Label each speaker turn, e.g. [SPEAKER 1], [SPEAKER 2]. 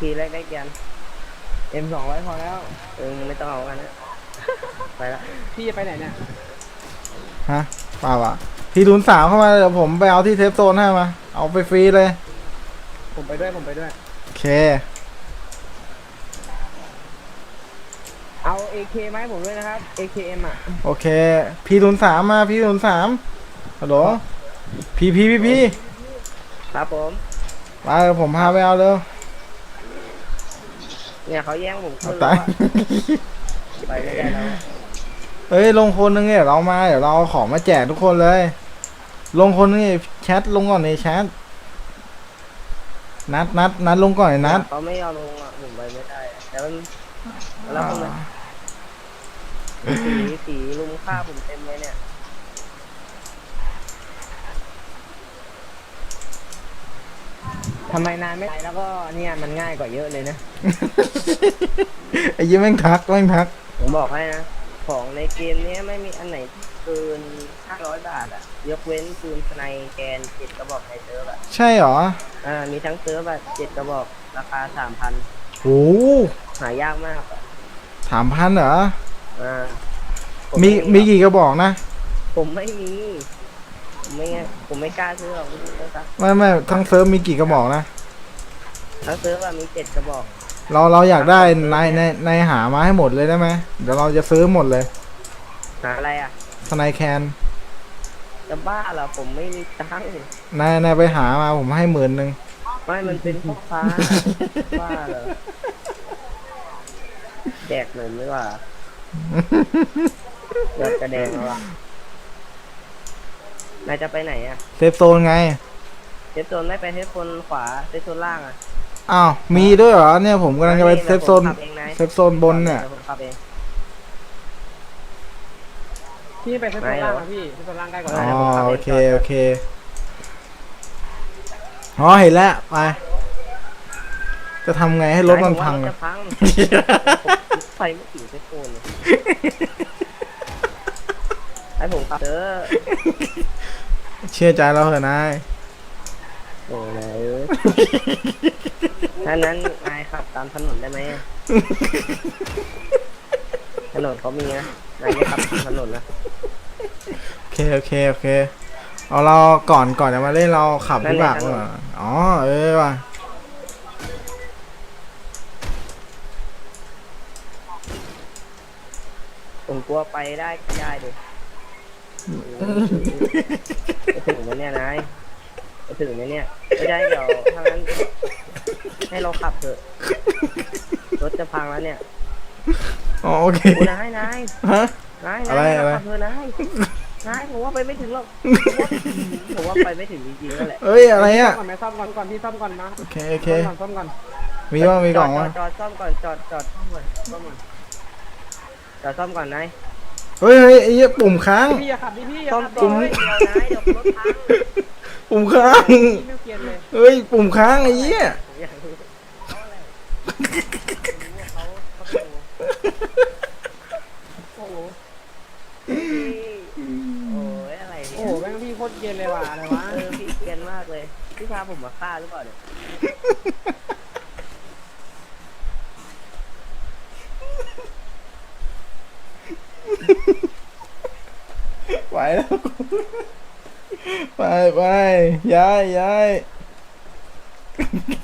[SPEAKER 1] แรกได้กัน
[SPEAKER 2] M200พอแล้ว
[SPEAKER 1] ไม่ต้องเอากันนะไปละ
[SPEAKER 2] พี่จะไปไหนเนี่ย
[SPEAKER 3] ฮะเปล่าวะพี่ทุนสามเข้ามาเดี๋ยวผมไปเอาที่เทปโซนให้มาเอาไปฟรีเลย
[SPEAKER 2] ผมไปด้วยผมไปด้วย
[SPEAKER 3] โอเค
[SPEAKER 2] เอา AK ไหมาให้ผมด้วยนะครับ AKM อ่ะ
[SPEAKER 3] โอเคพี่ทุนสามมาพี่ทุนสามฮัลโหลพี่
[SPEAKER 1] ครับผม
[SPEAKER 3] มาเดี๋ยวผมพาไปเอาเร็ว
[SPEAKER 1] เนี่ยเขาแย่งผม
[SPEAKER 3] เอา
[SPEAKER 1] ขึ้น
[SPEAKER 3] ตา
[SPEAKER 1] แล้ว
[SPEAKER 3] ย
[SPEAKER 1] ไปไม่ได้แล้ว
[SPEAKER 3] เฮ้ยลงคนนึงเนี่ยเรามาเดี๋ยวเราเอาของมาแจกทุกคนเลย ลงคนนึงเนี่ยแชทลงก่อนในแชทนัดลงก่อนไอ้นัด
[SPEAKER 1] เขาไม่ยอมลงอ่ะผมไปไม่ได้แล้วมันแล้วคนสีลุมฆ่าผมเต็มเลยเนี่ย
[SPEAKER 2] ทำไมนานไม่ไปแล้วก็เนี่ยมันง่ายกว่าเยอะเลยนะ
[SPEAKER 3] ไอ้ยี่แม่งทัก
[SPEAKER 1] ผมบอกให้นะของในเกมนี้ไม่มีอันไหนเกิน500 บาทอ่ะยกเว้นปืนสไนแกน7 กระบอกในเซิร์ฟอ่ะ
[SPEAKER 3] ใช่เหรอ
[SPEAKER 1] มีทั้งเซิร์ฟแบบ7 กระบอกราคา 3,000
[SPEAKER 3] โอ้
[SPEAKER 1] หายากมากอ่ะ
[SPEAKER 3] 3,000เหรอ
[SPEAKER 1] อ่า
[SPEAKER 3] มีกี่กระบอกนะ
[SPEAKER 1] ผมไม่มีผมไม่กล้าซื้อหรอกนะครับ
[SPEAKER 3] ไม่ทั้งเซิร์ฟมีกี่กระบอกนะ
[SPEAKER 1] ทั้งเซิร์ฟอะมี7 กระบอก
[SPEAKER 3] เราอยากได้ในหามาให้หมดเลยได้ไหมเดี๋ยวเราจะซื้อหมดเลย
[SPEAKER 1] หาอะไรอ่ะ
[SPEAKER 3] สไนแคน
[SPEAKER 1] จะบ้าเหรอผมไม่มีตังค์
[SPEAKER 3] นายไปหามาผมให้10,000
[SPEAKER 1] ไม่มันเป็นพ่อค้า บ้าเหรอแดกหน่อยไม่ว่าเดือดกระแดงแล้วอ่ะนายจะไปไหนอ่ะ
[SPEAKER 3] เซฟโซนไง
[SPEAKER 1] เซฟโซนไม่ไปเซฟโซนขวาเซฟโซนล่างอ่ะ
[SPEAKER 3] อ้าวมีด้วยเหรอเนี่ยผมกำลังจะไปเซฟโซน
[SPEAKER 1] ผมขับเองนะ
[SPEAKER 3] เซฟโซนบนเนี่ย
[SPEAKER 1] ดี๋วผมขับเอง
[SPEAKER 2] พี่ไปเซฟโซนล่างอ่ะพี่เซฟโซนล่างใกล้กว่า
[SPEAKER 3] อ๋อโอเคอ๋อเห็นแล้วไปจะทำไงให้รถมันพัง
[SPEAKER 1] รถจะพังไฟไม่ถึงเซฟโซนเลยให้ผมขับเด้อ
[SPEAKER 3] เชื่อใจเราเถอะนาย
[SPEAKER 1] โอ้ยถ้านั้นนายขับตามถนนได้ไหมถนนเขามีนะนายไม่ขับตามถนนนะ
[SPEAKER 3] โอเคเอาเราก่อนจะมาเล่นเราขับวิบากก่อนอ๋อว่ะ
[SPEAKER 1] ผมกลัวไปได้ดิไปถึงไหมเนี่ยนายไปถึงไหมเนี่ยไม่ได้เดี๋ยวถ้างั้นให้เราขับเถอะรถจะพังแล้วเนี่ย
[SPEAKER 3] อ๋อโอเค
[SPEAKER 1] โอ้นาย
[SPEAKER 3] ฮะ
[SPEAKER 1] นาย
[SPEAKER 3] อะไร
[SPEAKER 1] เราขับเถอะนายผมว่าไปไม่ถึงหรอกผมว่าไปไม่ถึงจริงๆนั่นแหละ
[SPEAKER 3] เอ้ยอะไรอ่ะ
[SPEAKER 2] ก่อนไหมซ่อมก่อนพี่ซ่อมก่อนนะ
[SPEAKER 3] โอเค
[SPEAKER 2] ซ่อมก่อน
[SPEAKER 3] มีกล่องวะ
[SPEAKER 1] จอดซ่อมก่อนจอดซ่อมก่อนจอดซ่อมก่อนนาย
[SPEAKER 3] เฮ้ยไอ้เหี้ยปุ่มค้าง
[SPEAKER 2] พี่อย่าขับดิพี่อย่า
[SPEAKER 1] ซ่อม
[SPEAKER 2] ขับ
[SPEAKER 1] ก่อนเดี๋ยวนายเดี๋ยวรถพัง
[SPEAKER 3] ปุ่มค้าง
[SPEAKER 2] พี่ไม่เกียนเลย
[SPEAKER 3] เฮ้ยปุ่มค้างไอ้เหี้ย
[SPEAKER 1] ผมอยากรู้เขาอะไรเขาโอ้โหโอ้ยอะไรเนี่ย
[SPEAKER 2] โอ้โหแม่งพี่โคตรเกียนเลยว่ะอะไรวะ
[SPEAKER 1] พี่เกรียนมากเลยพี่พาผมมาฆ่าหรือเปล่าเนี่ย
[SPEAKER 3] ไปแล้วไปย้าย